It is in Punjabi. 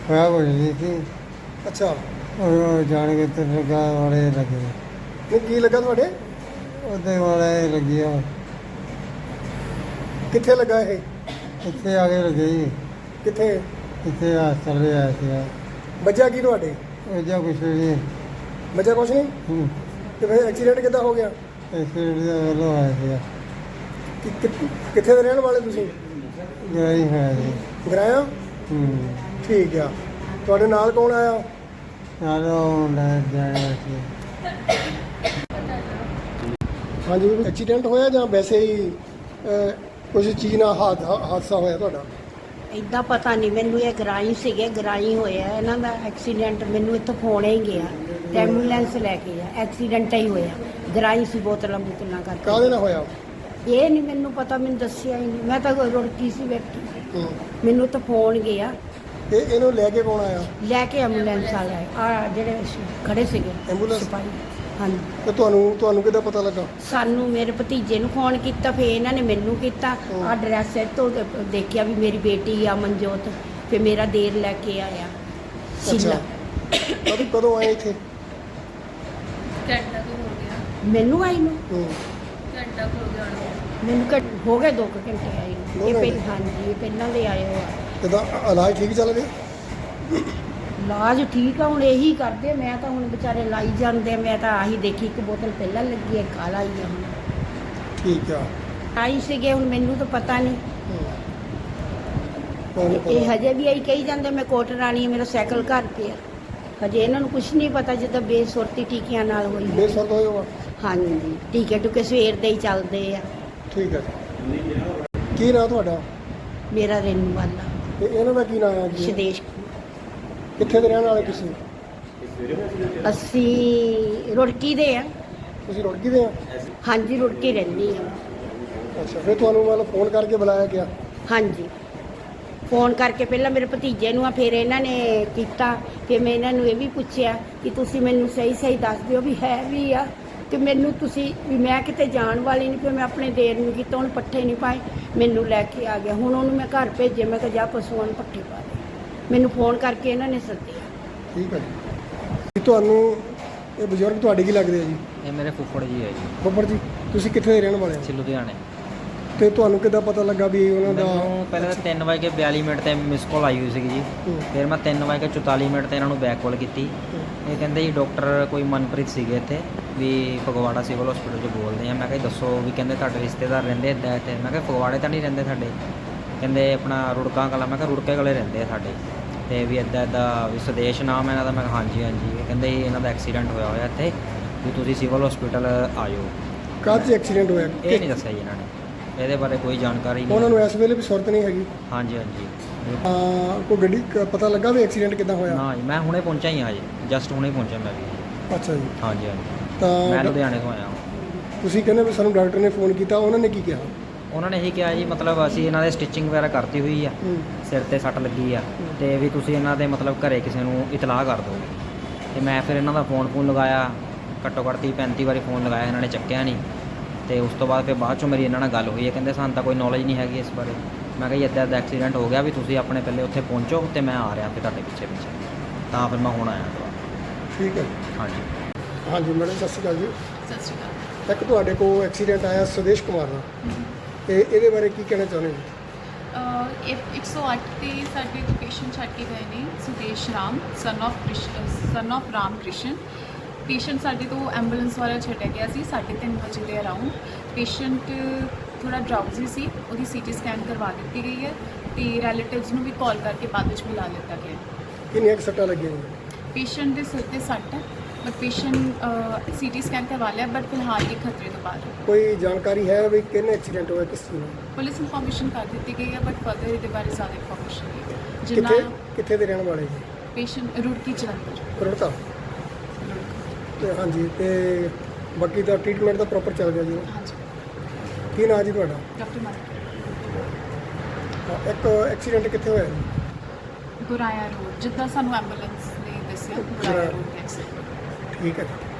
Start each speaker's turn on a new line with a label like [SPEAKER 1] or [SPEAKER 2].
[SPEAKER 1] ਹੋਇਆ ਕੁਝ ਨਹੀਂ ਸੀ।
[SPEAKER 2] ਅੱਛਾ,
[SPEAKER 1] ਉਹ ਜਾਣ ਕੇ ਤੇ ਲੱਗਾ ਵਾਲੇ ਲੱਗੇ,
[SPEAKER 2] ਨਹੀਂ ਕੀ ਲੱਗਾ ਤੁਹਾਡੇ?
[SPEAKER 1] ਉਹਦੇ ਵਾਲੇ ਲੱਗਿਆ,
[SPEAKER 2] ਕਿੱਥੇ ਲੱਗਾ ਇਹ?
[SPEAKER 1] ਇੱਥੇ ਆ ਕੇ ਲੱਗੇ ਜੀ।
[SPEAKER 2] ਕਿੱਥੇ
[SPEAKER 1] ਇੱਥੇ ਹਸਪਤਾਲ ਵੀ ਆਇਆ ਸੀ।
[SPEAKER 2] ਵੱਜਿਆ ਕੀ ਤੁਹਾਡੇ?
[SPEAKER 1] ਉਹ ਜਾਂ ਕੁਛ ਨਹੀਂ।
[SPEAKER 2] ਵੱਜਿਆ ਕੁਛ ਨਹੀਂ? ਤੇ ਫਿਰ ਐਕਸੀਡੈਂਟ ਕਿੱਦਾਂ ਹੋ ਗਿਆ?
[SPEAKER 1] ਐਕਸੀਡੈਂਟ ਦਾ ਵੱਲੋਂ ਆਇਆ ਸੀ।
[SPEAKER 2] ਕਿੱਥੇ ਦੇ ਰਹਿਣ ਵਾਲੇ ਤੁਸੀਂ?
[SPEAKER 1] ਗਰਾਈ ਹੋਇਆ ਜੀ।
[SPEAKER 2] ਗਰਾਇਆ? ਠੀਕ ਆ। ਤੁਹਾਡੇ ਨਾਲ ਕੌਣ ਆਇਆ?
[SPEAKER 1] ਨਾਲ ਉਹ ਲੈ ਜਾਇਆ ਸੀ।
[SPEAKER 2] ਹਾਂਜੀ, ਐਕਸੀਡੈਂਟ ਹੋਇਆ ਜਾਂ ਵੈਸੇ ਹੀ ਕੁਝ ਚੀਜ਼ ਨਾਲ ਹਾਦਸਾ ਹੋਇਆ ਤੁਹਾਡਾ?
[SPEAKER 3] ਇੱਦਾਂ ਪਤਾ ਨਹੀਂ ਮੈਨੂੰ। ਇਹ ਗਰਾਈ ਸੀਗੇ, ਗਰਾਈ ਹੋਇਆ ਇਹਨਾਂ ਦਾ ਐਕਸੀਡੈਂਟ। ਮੈਨੂੰ ਇੱਥੋਂ ਫੋਨ ਹੀ ਗਿਆ ਤੇ ਐਂਬੂਲੈਂਸ ਲੈ ਕੇ ਆ। ਐਕਸੀਡੈਂਟ ਹੀ ਹੋਇਆ, ਗਰਾਈ ਸੀ ਬੋਤਲਾਂ ਬੁਤਲਾਂ ਕਰਕੇ।
[SPEAKER 2] ਕਾਹਦੇ ਨਾਲ ਹੋਇਆ?
[SPEAKER 3] ਇਹ ਨਹੀਂ ਮੈਨੂੰ ਪਤਾ, ਮੈਨੂੰ ਦੱਸਿਆ ਹੀ ਨਹੀਂ। ਮੈਂ ਤਾਂ ਰੁੜਕੀ ਸੀ ਬੈਠੀ, ਮੈਨੂੰ ਤਾਂ ਫੋਨ ਗਿਆ।
[SPEAKER 2] ਤੇ ਇਹਨੂੰ ਲੈ ਕੇ ਕੌਣ ਆਇਆ?
[SPEAKER 3] ਲੈ ਕੇ ਐਂਬੂਲੈਂਸ ਵਾਲੇ ਆ ਜਿਹੜੇ ਖੜੇ ਸੀਗੇ
[SPEAKER 2] ਐਂਬੂਲੈਂਸ?
[SPEAKER 3] ਸਿਪਾਹੀ। ਹਾਂਜੀ।
[SPEAKER 2] ਤੇ ਤੁਹਾਨੂੰ ਕਿੱਦਾਂ ਪਤਾ ਲੱਗਾ?
[SPEAKER 3] ਸਾਨੂੰ ਮੇਰੇ ਭਤੀਜੇ ਨੂੰ ਫੋਨ ਕੀਤਾ, ਫਿਰ ਇਹਨਾਂ ਨੇ ਮੈਨੂੰ ਕੀਤਾ। ਆ ਡਰੈਸ ਤੋਂ ਦੇਖਿਆ ਵੀ ਮੇਰੀ ਬੇਟੀ ਆ ਮਨਜੋਤ। ਫਿਰ ਮੇਰਾ ਦੇਰ ਲੈ ਕੇ ਆਇਆ ਸ਼ੀਲਾ।
[SPEAKER 2] ਕਦੋਂ ਆਏ ਇੱਥੇ?
[SPEAKER 4] ਘੰਟਾ ਤੋਂ ਹੋ ਗਿਆ।
[SPEAKER 3] ਮੈਨੂੰ ਆਈ ਨੂੰ
[SPEAKER 4] ਘੰਟਾ ਹੋ ਗਿਆ
[SPEAKER 3] ਮੈਨੂੰ ਹੋ ਗਏ 2 ਘੰਟੇ ਆਈ ਨੂੰ। ਇਹ
[SPEAKER 2] ਘੰਟੇ?
[SPEAKER 3] ਹਾਂਜੀ, ਇਹ ਪਹਿਲਾਂ ਦੇ ਆਏ ਹੋ ਆ।
[SPEAKER 2] ਇਹਦਾ ਇਲਾਜ ਠੀਕ ਚੱਲ ਰਿਹਾ?
[SPEAKER 3] ਇਲਾਜ ਠੀਕ ਆ, ਹੁਣ ਇਹੀ ਕਰਦੇ। ਮੈਂ ਤਾਂ ਹੁਣ ਵਿਚਾਰੇ ਲਾਈ ਜਾਂਦੇ। ਮੈਂ ਤਾਂ ਆਹੀ ਦੇਖੀ, ਇੱਕ ਬੋਤਲ ਪਹਿਲਾਂ ਲੱਗੀ ਹੈ, ਕਾਲਾ ਹੀ ਆ ਹੁਣ।
[SPEAKER 2] ਠੀਕ ਆ।
[SPEAKER 3] ਆਈ ਸੀਗੇ, ਹੁਣ ਮੈਨੂੰ ਤਾਂ ਪਤਾ ਨਹੀਂ।
[SPEAKER 2] ਤੁਹਾਨੂੰ
[SPEAKER 3] ਇਹ
[SPEAKER 2] ਪਤਾ?
[SPEAKER 3] ਹਜੇ ਵੀ ਆਈ ਕਹੀ ਜਾਂਦੇ ਮੈਂ ਕੋਟ ਰਾਣੀ ਆ, ਮੇਰਾ ਸਾਈਕਲ ਘਰ ਪਿਆ। ਹਜੇ ਇਹਨਾਂ ਨੂੰ ਕੁਝ ਨਹੀਂ ਪਤਾ, ਜਿੱਦਾਂ ਬੇਸੁਰਤੀ ਟੀਕਿਆਂ ਨਾਲ ਹੋਈ ਹੈ।
[SPEAKER 2] ਬੇਸੁਰਤ ਹੋਏ ਹੋਗਾ?
[SPEAKER 3] ਹਾਂਜੀ, ਟੀਕੇ ਟੁਕੇ ਸਵੇਰ ਦੇ ਹੀ ਚੱਲਦੇ ਆ।
[SPEAKER 2] ਠੀਕ ਹੈ। ਕੀ ਨਾਂ ਤੁਹਾਡਾ?
[SPEAKER 3] ਮੇਰਾ ਰੇਨੂ ਵਾਲਾ
[SPEAKER 2] ਤੇ ਇਹਨਾਂ ਦਾ ਕੀ ਨਾਂ ਹੈ ਜੀ?
[SPEAKER 3] ਸ਼ਦੇਸ਼।
[SPEAKER 2] ਕਿੱਥੇ ਦੇ ਰਹਿਣ ਵਾਲੇ ਤੁਸੀਂ?
[SPEAKER 3] ਅਸੀਂ ਰੁੜਕੀ ਦੇ ਆ।
[SPEAKER 2] ਤੁਸੀਂ ਰੁੜਕੀ ਦੇ ਆ?
[SPEAKER 3] ਹਾਂਜੀ, ਰੁੜਕੀ ਰਹਿੰਦੀ ਆ।
[SPEAKER 2] ਅੱਛਾ, ਫਿਰ ਤੁਹਾਨੂੰ ਮਤਲਬ ਫੋਨ ਕਰਕੇ ਬੁਲਾਇਆ ਗਿਆ?
[SPEAKER 3] ਹਾਂਜੀ, ਫੋਨ ਕਰਕੇ ਪਹਿਲਾਂ ਮੇਰੇ ਭਤੀਜੇ ਨੂੰ ਆ, ਫਿਰ ਇਹਨਾਂ ਨੇ ਕੀਤਾ। ਫਿਰ ਮੈਂ ਇਹਨਾਂ ਨੂੰ ਇਹ ਵੀ ਪੁੱਛਿਆ ਕਿ ਤੁਸੀਂ ਮੈਨੂੰ ਸਹੀ ਸਹੀ ਦੱਸ ਦਿਓ ਵੀ ਹੈ ਵੀ ਆ ਤੇ ਮੈਨੂੰ ਤੁਸੀਂ ਵੀ। ਮੈਂ ਕਿਤੇ ਜਾਣ ਵਾਲੀ ਨਹੀਂ। ਫਿਰ ਮੈਂ ਆਪਣੇ ਦੇਰ ਨੂੰ ਕੀਤਾ, ਹੁਣ ਪੱਠੇ ਨਹੀਂ ਪਾਏ, ਮੈਨੂੰ ਲੈ ਕੇ ਆ ਗਿਆ। ਹੁਣ ਉਹਨੂੰ ਮੈਂ ਘਰ ਭੇਜੇ। ਮੈਂ ਕਿਹਾ ਜਾ ਪਸ਼ੂਆਂ ਨੂੰ ਪੱਠੇ ਪਾ ਦੇ। ਮੈਨੂੰ ਫੋਨ ਕਰਕੇ ਇਹਨਾਂ ਨੇ ਸੱਦਿਆ।
[SPEAKER 2] ਠੀਕ ਹੈ ਜੀ। ਤੁਹਾਨੂੰ ਇਹ ਬਜ਼ੁਰਗ ਤੁਹਾਡੇ ਕੀ ਲੱਗਦੇ ਆ ਜੀ?
[SPEAKER 5] ਇਹ ਮੇਰੇ ਫੁੱਫੜ ਜੀ ਹੈ ਜੀ।
[SPEAKER 2] ਬੱਬਰ ਜੀ, ਤੁਸੀਂ ਕਿੱਥੇ ਦੇ ਰਹਿਣ ਵਾਲੇ
[SPEAKER 5] ਅਸੀਂ
[SPEAKER 2] ਹੋ?
[SPEAKER 5] ਲੁਧਿਆਣੇ।
[SPEAKER 2] ਤੇ ਤੁਹਾਨੂੰ ਕਿੱਦਾਂ ਪਤਾ ਲੱਗਾ ਵੀ ਉਹਨਾਂ ਦਾ?
[SPEAKER 5] ਮੈਨੂੰ ਪਹਿਲਾਂ ਤਾਂ 3:42 ਤੇ ਮਿਸ ਕਾਲ ਆਈ ਹੋਈ ਸੀਗੀ ਜੀ। ਫਿਰ ਮੈਂ 3:44 ਤੇ ਇਹਨਾਂ ਨੂੰ ਬੈਕ ਕਾਲ ਕੀਤੀ। ਇਹ ਕਹਿੰਦੇ ਜੀ ਡਾਕਟਰ ਕੋਈ ਮਨਪ੍ਰੀਤ ਸੀਗੇ ਇੱਥੇ ਵੀ ਫਗਵਾੜਾ ਸਿਵਲ ਹਸਪੀਟਲ 'ਚ ਬੋਲਦੇ ਆ। ਮੈਂ ਕਿਹਾ ਦੱਸੋ ਵੀ। ਕਹਿੰਦੇ ਤੁਹਾਡੇ ਰਿਸ਼ਤੇਦਾਰ ਰਹਿੰਦੇ ਇੱਦਾਂ ਇੱਥੇ। ਮੈਂ ਕਿਹਾ ਫਗਵਾੜੇ ਤਾਂ ਨਹੀਂ ਰਹਿੰਦੇ ਸਾਡੇ। ਕਹਿੰਦੇ ਆਪਣਾ ਰੁੜਕਾ ਕਲਾਂ। ਮੈਂ ਕਿਹਾ ਰੁੜਕੇ ਕਲੇ ਰਹਿੰਦੇ ਆ ਸਾਡੇ। ਤੇ ਵੀ ਇੱਦਾਂ ਵੀ ਸੁਦੇਸ਼ ਨਾਮ ਹੈ ਇਹਨਾਂ ਦਾ। ਮੈਂ ਕਿਹਾ ਹਾਂਜੀ ਹਾਂਜੀ। ਇਹ ਕਹਿੰਦੇ ਇਹਨਾਂ ਦਾ ਐਕਸੀਡੈਂਟ ਹੋਇਆ ਇੱਥੇ ਵੀ ਤੁਸੀਂ ਸਿਵਲ ਹਸਪੀਟਲ ਆਇਓ।
[SPEAKER 2] ਕਾਹਦੇ 'ਚ ਐਕਸੀਡੈਂਟ ਹੋਇਆ?
[SPEAKER 5] ਇਹ ਨਹੀਂ ਦੱਸਿਆ ਜੀ ਇਹਨਾਂ ਨੇ, ਇਹਦੇ ਬਾਰੇ ਕੋਈ ਜਾਣਕਾਰੀ ਨਹੀਂ।
[SPEAKER 2] ਉਹਨਾਂ ਨੂੰ ਇਸ ਵੇਲੇ ਵੀ ਸੁਰਤ ਨਹੀਂ ਹੈਗੀ?
[SPEAKER 5] ਹਾਂਜੀ ਹਾਂਜੀ।
[SPEAKER 2] ਕੋਈ ਗੱਡੀ ਪਤਾ ਲੱਗਾ ਵੀ ਐਕਸੀਡੈਂਟ ਕਿੱਦਾਂ ਹੋਇਆ?
[SPEAKER 5] ਨਾ ਜੀ, ਮੈਂ ਹੁਣੇ ਪਹੁੰਚਿਆ ਹੀ ਹਾਂ ਜੀ। ਜਸਟ ਹੁਣੇ ਪਹੁੰਚਿਆ ਮੈਂ ਵੀ।
[SPEAKER 2] ਅੱਛਾ ਜੀ।
[SPEAKER 5] ਹਾਂਜੀ ਹਾਂਜੀ।
[SPEAKER 2] ਤਾਂ
[SPEAKER 5] ਮੈਂ ਲੁਧਿਆਣੇ ਤੋਂ ਆਇਆ।
[SPEAKER 2] ਤੁਸੀਂ ਕਹਿੰਦੇ ਵੀ ਸਾਨੂੰ ਡਾਕਟਰ ਨੇ ਫੋਨ ਕੀਤਾ, ਉਹਨਾਂ ਨੇ ਕੀ ਕਿਹਾ?
[SPEAKER 5] ਉਹਨਾਂ ਨੇ ਇਹੀ ਕਿਹਾ ਜੀ ਮਤਲਬ ਅਸੀਂ ਇਹਨਾਂ ਦੇ ਸਟਿਚਿੰਗ ਵਗੈਰਾ ਕਰਤੀ ਹੋਈ ਆ, ਸਿਰ ਤੇ ਸੱਟ ਲੱਗੀ ਆ ਤੇ ਵੀ ਤੁਸੀਂ ਇਹਨਾਂ ਦੇ ਮਤਲਬ ਘਰੇ ਕਿਸੇ ਨੂੰ ਇਤਲਾਹ ਕਰ ਦਿਓ। ਤੇ ਮੈਂ ਫਿਰ ਇਹਨਾਂ ਦਾ ਫੋਨ ਲਗਾਇਆ, ਘੱਟੋ ਘੱਟ 30-35 ਵਾਰੀ ਫੋਨ ਲਗਾਇਆ, ਇਹਨਾਂ ਨੇ ਚੱਕਿਆ ਨਹੀਂ। ਤੇ ਉਸ ਤੋਂ ਬਾਅਦ ਫਿਰ ਬਾਅਦ 'ਚੋਂ ਮੇਰੀ ਇਹਨਾਂ ਨਾਲ ਗੱਲ ਹੋਈ ਹੈ। ਕਹਿੰਦੇ ਸਾਨੂੰ ਤਾਂ ਕੋਈ ਨੌਲੇਜ ਨਹੀਂ ਹੈਗੀ ਇਸ ਬਾਰੇ। ਮੈਂ ਕਿਹਾ ਜੀ ਇੱਦਾਂ ਦਾ ਐਕਸੀਡੈਂਟ ਹੋ ਗਿਆ ਵੀ ਤੁਸੀਂ ਆਪਣੇ ਪਹਿਲੇ ਉੱਥੇ ਪਹੁੰਚੋ ਤੇ ਮੈਂ ਆ ਰਿਹਾ ਫਿਰ ਤੁਹਾਡੇ ਪਿੱਛੇ। ਤਾਂ ਫਿਰ ਮੈਂ ਹੁਣ ਆਇਆ ਦੁਬਾਰਾ।
[SPEAKER 2] ਠੀਕ ਹੈ।
[SPEAKER 5] ਹਾਂਜੀ
[SPEAKER 2] ਹਾਂਜੀ ਮੈਡਮ, ਸਤਿ ਸ਼੍ਰੀ ਅਕਾਲ ਜੀ।
[SPEAKER 4] ਸਤਿ ਸ਼੍ਰੀ ਅਕਾਲ।
[SPEAKER 2] ਇੱਕ ਤੁਹਾਡੇ ਕੋਲ ਐਕਸੀਡੈਂਟ ਆਇਆ ਸੁਦੇਸ਼ ਕੁਮਾਰ ਦਾ, ਤੇ ਇਹਦੇ ਬਾਰੇ ਕੀ ਕਹਿਣਾ ਚਾਹੁੰਦੇ ਹੋ?
[SPEAKER 4] ਇਹ 108 ਤੇ ਸਾਡੇ ਇੱਕ ਪੇਸ਼ੈਂਟ ਛੱਡ ਕੇ ਗਏ ਨੇ, Sudesh Ram son of Ram Krishan. Patient ਸਾਡੇ ਤੋਂ ਐਂਬੂਲੈਂਸ ਵਾਲਾ ਛੱਡਿਆ ਗਿਆ ਸੀ 3:30 ਵਜੇ ਦੇ ਅਰਾਊਂਡ। ਪੇਸ਼ੈਂਟ ਥੋੜਾ ਡਰਾਊਜ਼ੀ ਸੀ, ਉਹਦੀ ਸੀਟੀ ਸਕੈਨ ਕਰਵਾ ਦਿੱਤੀ ਗਈ ਹੈ ਤੇ ਰਿਲੇਟਿਵਸ ਨੂੰ ਵੀ ਕਾਲ ਕਰਕੇ ਬਾਅਦ ਵਿੱਚ ਬੁਲਾ ਲਿੱਤਾ ਗਿਆ।
[SPEAKER 2] ਕਿੰਨੀਆਂ ਕੁ ਸੱਟਾਂ ਲੱਗੀਆਂ ਨੇ?
[SPEAKER 4] ਪੇਸ਼ੈਂਟ ਦੇ ਸਿਰ ਤੇ ਸੱਟ ਹੈ, ਬਟ ਪੇਸ਼ੈਂਟ ਸੀਟੀ ਸਕੈਨ ਕਰਵਾ ਲਿਆ, ਬਟ ਫਿਲਹਾਲ ਇਹ ਖਤਰੇ ਤੋਂ ਬਾਹਰ ਹੈ।
[SPEAKER 2] ਕੋਈ ਜਾਣਕਾਰੀ ਹੈ ਵੀ ਕਿੰਨੇ ਐਕਸੀਡੈਂਟ ਹੋਇਆ, ਕਿਸ ਚੀਜ਼ ਨਾਲ?
[SPEAKER 4] ਪੁਲਿਸ ਇਨਫੋਰਮੇਸ਼ਨ ਕਰ ਦਿੱਤੀ ਗਈ ਹੈ, ਬਟ ਫਰਦਰ ਇਹਦੇ ਬਾਰੇ ਜ਼ਿਆਦਾ ਇਨਫੋਰਮੇਸ਼ਨ ਨਹੀਂ। ਜਿੰਨਾ
[SPEAKER 2] ਕਿੱਥੇ ਦੇ ਰਹਿਣ ਵਾਲੇ ਜੀ?
[SPEAKER 4] ਪੇਸ਼ੈਂਟ ਰੁੜਕੀ ਜਲੰਧਰ।
[SPEAKER 2] ਕਰੋੜਤਾ। ਤੇ ਹਾਂਜੀ, ਤੇ ਬਾਕੀ ਦਾ ਟ੍ਰੀਟਮੈਂਟ ਦਾ ਪ੍ਰੋਪਰ ਚੱਲ ਗਿਆ ਜੀ?
[SPEAKER 4] ਹਾਂਜੀ।
[SPEAKER 2] ਕੀ ਨਾਂ ਜੀ ਤੁਹਾਡਾ?
[SPEAKER 4] ਡਾਕਟਰ ਮਾਨਕ।
[SPEAKER 2] ਇੱਕ ਐਕਸੀਡੈਂਟ ਕਿੱਥੇ ਹੋਇਆ ਜੀ?
[SPEAKER 4] ਗੁਰਾਇਆ ਰੋਡ, ਜਿੱਦਾਂ ਸਾਨੂੰ ਐਂਬੂਲੈਂਸ ਨੇ ਦੱਸਿਆ, ਗੁਰਾਇਆ ਰੋਡ ਐਕਸੀਡੈਂਟ।
[SPEAKER 2] ਠੀਕ ਹੈ ਜੀ।